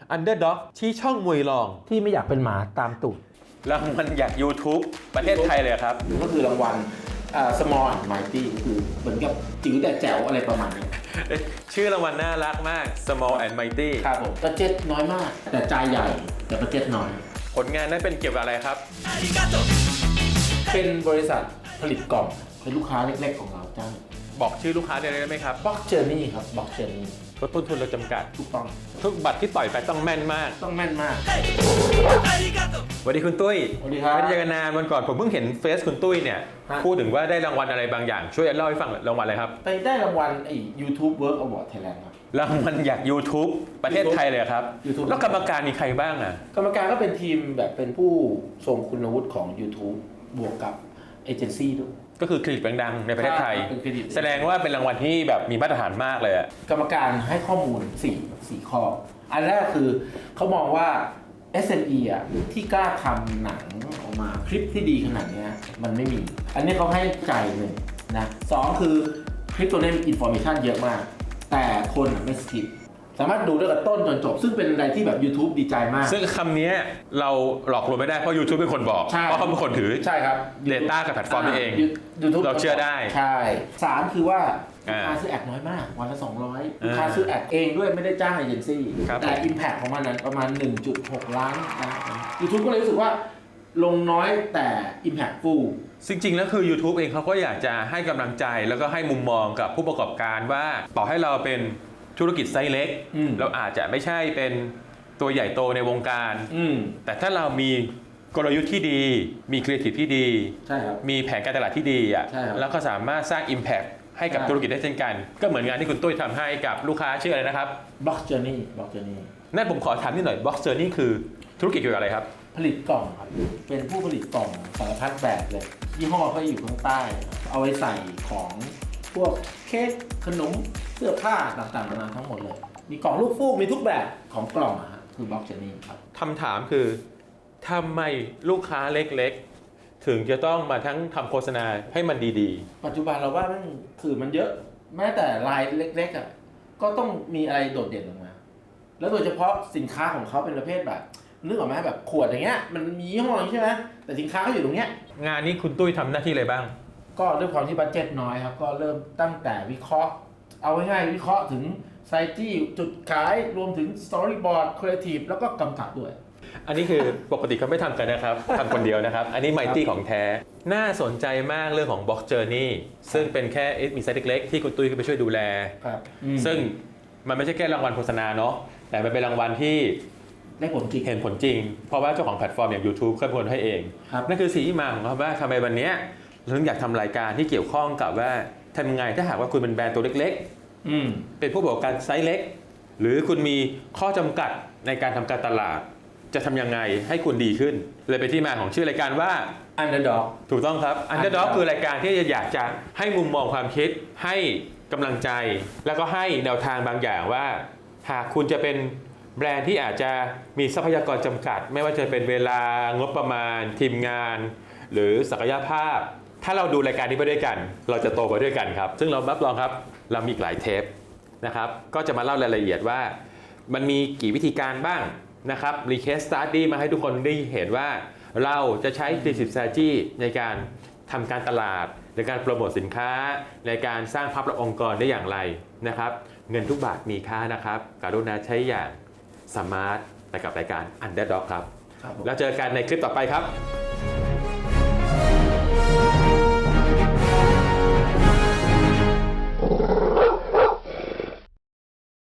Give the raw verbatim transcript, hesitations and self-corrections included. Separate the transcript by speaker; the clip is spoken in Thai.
Speaker 1: Underdog ที่ช่องมวยรอง
Speaker 2: ที่ไม่อยากเป็นหมาตามตูด
Speaker 1: รางวัลอยาก YouTube ประเทศไทยเลยครับ
Speaker 2: ก็คือรางวัล Small and Mighty คือเหมือนกับจิ๋วแต่แจ๋วอะไรประมาณนี้
Speaker 1: ชื่อรางวัลน่ารักมาก Small and Mighty
Speaker 2: ครับผมบัดเจ็ตน้อยมากแต่ใจใหญ่แต่บัดเจ็ตน้อย
Speaker 1: ผลงานนั้นเป็นเกี่ยวกับอะไรครับ
Speaker 2: เป็นบริษัทผลิตกล่องเป็นลูกค้าเล็กๆของเราจ้า
Speaker 1: บอกชื่อลูกค้าได้ไหมครับ
Speaker 2: Box Journey ครับ Box Journey
Speaker 1: ลดต้นทุนเราจำกัด
Speaker 2: ถูกต้อง
Speaker 1: ทุกบัตรที่ต่อยไปต้องแม่นมาก
Speaker 2: ต้องแม่นมาก
Speaker 1: สวัสดีคุณตุ้ย
Speaker 2: สวัสดีครับ
Speaker 1: ไม่ได้เจอกันนานวันก่อนผมเพิ่งเห็นเฟซคุณตุ้ยเนี่ยพูดถึงว่าได้รางวัลอะไรบางอย่างช่วยเล่าให้ฟังรางวัลอะไรครับ
Speaker 2: ไปได้รางวัลไอ้ YouTube Work Award Thailand ครับ
Speaker 1: รางวัลอยาก YouTube ประเทศไทยเลยครับ
Speaker 2: YouTube
Speaker 1: แล้วกรรมการมีใครบ้างอ่ะ
Speaker 2: กรรมการก็เป็นทีมแบบเป็นผู้ทรงคุณวุฒิของ YouTube บวกกับเอเจนซี่ด้วย
Speaker 1: ก็คือคลินิกดังๆในประเทศไทย
Speaker 2: แ
Speaker 1: แสดงว่าเป็นรางวัลที่แบบมีมาตรฐานมากเลยอะ
Speaker 2: กรรมการให้ข้อมูลสี่ สี่ข้ออันแรกคือเขามองว่า เอส เอ็ม อี อ่ะที่กล้าทำหนังออกมาคลิปที่ดีขนาดนี้มันไม่มีอันนี้เขาให้ใจหนึ่งนะสองคือคลิปตัวนี้มีอินโฟเมชันเยอะมากแต่คนไม่สกิปสามารถดูได้กับต้นจนจบซึ่งเป็นอะไรที่แบบ YouTube ดีใจมาก
Speaker 1: ซึ่งคำนี้เราหลอกลวงไม่ได้เพราะ YouTube เป็นคนบอกเพราะเขาเป็นคนถือ
Speaker 2: ใช่ครับ
Speaker 1: Data กับแพลตฟอร์มนี่เอง
Speaker 2: YouTube
Speaker 1: เราเชื่อได้
Speaker 2: ใช่สามคือว่าลูกค้าซื้อแอดน้อยมากวันละสองร้อยลูกค้าซื้อแอดเองด้วยไม่ได้จ้างเอเจนซี่แต่ Impact ของมันนั้นประมาณ หนึ่งจุดหก ล้านนะ YouTube ก็เลยรู้สึกว่าลงน้อยแต่ Impact full
Speaker 1: จริงๆแล้วคือ YouTube เองเขาก็อยากจะให้กำลังใจแล้วก็ให้มุมมองกับผู้ประกอบการว่าต่อให้เราเป็นธุรกิจไซส์เล็กเราอาจจะไม่ใช่เป็นตัวใหญ่โตในวงการแต่ถ้าเรามีกลยุทธ์ที่ดีมีครีเอทีฟที่ดีมีแผนการตลาดที่ดีอ่ะแล้วก็สามารถสร้าง Impact ให้กับธุรกิจได้เช่นกันก็เหมือนงานที่คุณตุ้ยทำให้กับลูกค้าชื่ออะไรนะครับ
Speaker 2: Box Journey Box Journey
Speaker 1: นั่นผมขอถามนิดหน่อย Box Journey คือธุรกิจเกี่ยวกับอะไรครับ
Speaker 2: ผลิตกล่องครับเป็นผู้ผลิตกล่องสารพัดแบบเลยยี่ห้อเขาอยู่ข้างใต้เอาไว้ใส่ของพวกเค้กขนมเสื้อผ้าต่างๆนานาทั้งหมดเลยมีกล่องลูกฟูกมีทุกแบบของกล่องอะฮะคือ Box Journey ครับ
Speaker 1: คำถามคือทำไมลูกค้าเล็กๆถึงจะต้องมาทั้งทำโฆษณาให้มันดี
Speaker 2: ๆปัจจุบันเราว่ามันสื่อมันเยอะแม้แต่รายเล็กๆอ่ะก็ต้องมีอะไรโดดเด่นออกมาแล้วโดยเฉพาะสินค้าของเขาเป็นประเภทแบบนึกออกไหมแบบขวดอย่างเงี้ยมันมียี่ห้ออย่างนี้ใช่ไหมแต่สินค้าเขาอยู่ตรงเนี้ย
Speaker 1: งานนี้คุณตุ้ยทำหน้าที่อะไรบ้าง
Speaker 2: ก็ด้วยความที่บัดเจ็ตน้อยครับก็เริ่มตั้งแต่วิเคราะห์เอาง่ายๆวิเคราะห์ถึงไซตี้จุดขายรวมถึงสตอรี่บอร์ดครีเอทีฟแล้วก็กำกับด้วย
Speaker 1: อันนี้คือปกติเขาไม่ทำกันนะครับทำคนเดียวนะครับอันนี้ไมตี้ของแท้น่าสนใจมากเรื่องของ Box Journey ซึ่งเป็นแค่มีไซต์เล็กๆที่คุณตุ้ยไปช่วยดูแลซึ่งมันไม่ใช่แค่รางวัลโฆษณาเนาะแต่มันเป็นรางวัลที่
Speaker 2: ได้ผลจริง
Speaker 1: เห็นผลจริงเพราะว่าเจ้าของแพลตฟอร์มอย่าง YouTube เคยเป็นคนให้เองนั่นคือสิ่งที่มาของเขาว่าทำไมวันนี้เราถึงอยากทำรายการที่เกี่ยวข้องกับว่าทำยังไงถ้าหากว่าคุณเป็นแบรนด์ตัวเล็กๆเป็นผู้ประกอบการไซส์เล็กหรือคุณมีข้อจำกัดในการทำการตลาดจะทำยังไงให้คุณดีขึ้นเลยเป็นที่มาของชื่อรายการว่า
Speaker 2: Underdog
Speaker 1: ถูกต้องครับ Underdog คือรายการที่อยากจะให้มุมมองความคิดให้กำลังใจแล้วก็ให้แนวทางบางอย่างว่าหากคุณจะเป็นแบรนด์ที่อาจจะมีทรัพยากรจำกัดไม่ว่าจะเป็นเวลางบประมาณทีมงานหรือศักยภาพถ้าเราดูรายการนี้ไปด้วยกันเราจะโตไปด้วยกันครับซึ่งเรารับรองครับเรามีหลายเทปนะครับก็จะมาเล่ารายละเอียดว่ามันมีกี่วิธีการบ้างนะครับรีเคสสตาร์ดี้มาให้ทุกคนได้เห็นว่าเราจะใช้ creative strategy ในการทำการตลาดในการโปรโมทสินค้าในการสร้างภาพลักษณ์องค์กรได้อย่างไรนะครับเงินทุกบาทมีค่านะครับกรุณาใช้อย่างสมาร์ทไปกับรายการ Underdog ครับแล้วเจอกันในคลิปต่อไปครับ